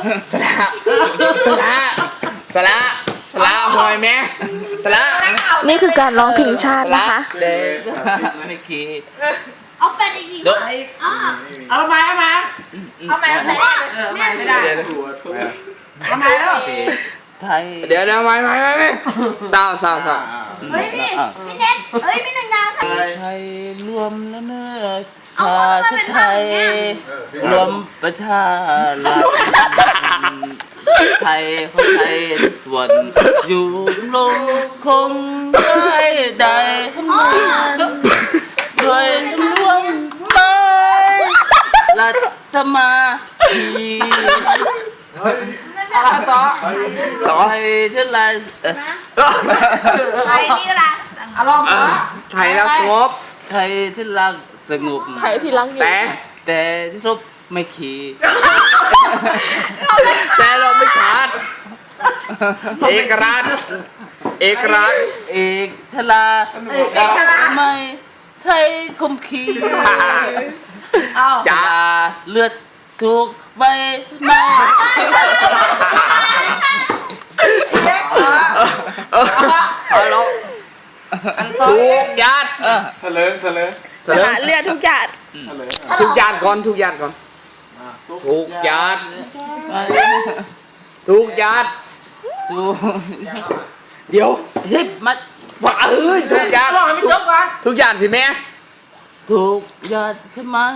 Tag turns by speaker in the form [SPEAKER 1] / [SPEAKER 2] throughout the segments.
[SPEAKER 1] สละหอยแม่สละ
[SPEAKER 2] นี่คือการร้องเพลงชาตินะคะ
[SPEAKER 1] เด็กไม่คิด
[SPEAKER 3] เอาแฟนอีกที
[SPEAKER 1] เดี๋ยว
[SPEAKER 4] เอามา
[SPEAKER 3] เอาใหม่เอาใหม่
[SPEAKER 4] ไม่ได้ทำไมแล้ว
[SPEAKER 1] ไทยเดี๋ยวไม่สาว
[SPEAKER 3] เฮ้ยพี่เน็ตเฮ้ยพี่หนึ่งดาวค่ะ
[SPEAKER 1] ไทยรวมแล้วเนื้อชาติไทยรวมประชารัฐไทยของไทยส่วนอยู่ลงคงได้ทำงานด้วยร่วมไม้รัฐสมาธิ
[SPEAKER 4] อะไรต่อ
[SPEAKER 1] ไทยเท่าไร
[SPEAKER 3] ไทยนี่ละ
[SPEAKER 4] อารมณ์
[SPEAKER 1] ไทยรักสงบไทยที่รักสงบ
[SPEAKER 2] ไทยที่รักอยู่
[SPEAKER 1] แต่ที่รบไม่ขีดแต่เราไม่ขาดเอกราชเอกทลาไม่ไทยคมขีจ่าเลือดถูกใบไม้เอาลงถูกยัด
[SPEAKER 4] ทะเลิง
[SPEAKER 2] สละเลือดทุกหยาด
[SPEAKER 1] ทุกยัดก่อนทุกยัดถูกยัดถูกเดี๋ยวเฮ้ยมาว่าถูกยัด
[SPEAKER 4] ลองให้ไม่จบก่อน
[SPEAKER 1] ทุกยัดสิแม่ถูกยัดใช่ไหม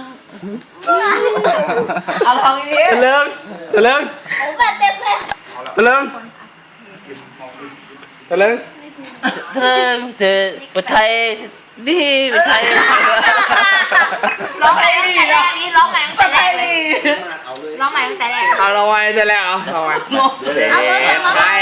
[SPEAKER 4] เอาลองอีกที
[SPEAKER 1] ตะเลิง
[SPEAKER 3] โอ้แบบเต็มเลย
[SPEAKER 1] ตะเลิงเจอประไทยนี่ประไทย
[SPEAKER 3] ร้องใหม่ตั้งแต่แรกนี้ร้องใหม่ตั้งแต่แรกเลยร้องใหม่ตั้งแต่แรก
[SPEAKER 1] เอาเราไว้แต่แล้วเอาไว้ไทย